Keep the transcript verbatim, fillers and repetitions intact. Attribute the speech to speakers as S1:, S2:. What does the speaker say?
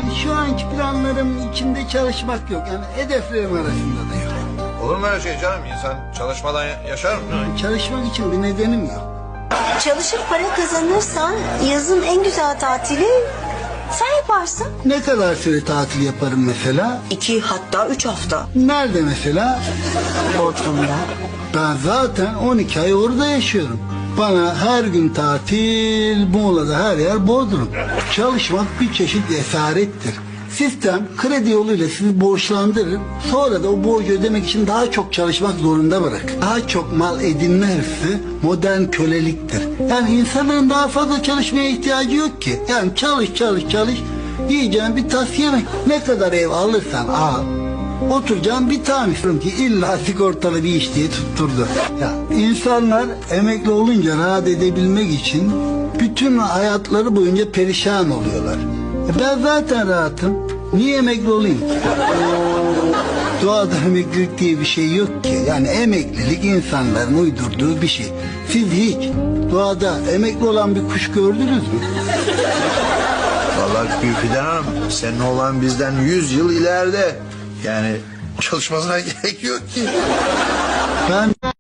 S1: Yani şu anki planlarım içinde çalışmak yok. Yani hedeflerim arasında da yok.
S2: Olur mu öyle şey canım? İnsan çalışmadan yaşar mı?
S1: Çalışmak için bir nedenim yok.
S3: Çalışıp para kazanırsan yazın en güzel tatili sen yaparsın.
S1: Ne kadar süre tatil yaparım mesela?
S3: İki hatta üç hafta.
S1: Nerede mesela?
S3: Bodrum'da.
S1: Ben zaten on iki ay orada yaşıyorum. Bana her gün tatil, Muğla'da her yer Bodrum. Çalışmak bir çeşit esarettir. Sistem kredi yoluyla sizi borçlandırır. Sonra da o borcu ödemek için daha çok çalışmak zorunda bırakır. Daha çok mal edinme hırsı modern köleliktir. Yani insanların daha fazla çalışmaya ihtiyacı yok ki. Yani çalış çalış çalış. Yiyeceğin bir tas yemek. Ne kadar ev alırsan al. Oturacağım bir tane istiyorum ki illa sigortalı bir iş diye tutturdu. Ya insanlar emekli olunca rahat edebilmek için bütün hayatları boyunca perişan oluyorlar. E ben zaten rahatım. Niye emekli olayım? Doğada emeklilik diye bir şey yok ki. Yani emeklilik insanların uydurduğu bir şey. Siz hiç doğada emekli olan bir kuş gördünüz mü?
S2: Vallahi Gülfiden Hanım, senin oğlan bizden yüz yıl ileride. Yani çalışmasına gerek yok ki.
S1: Ben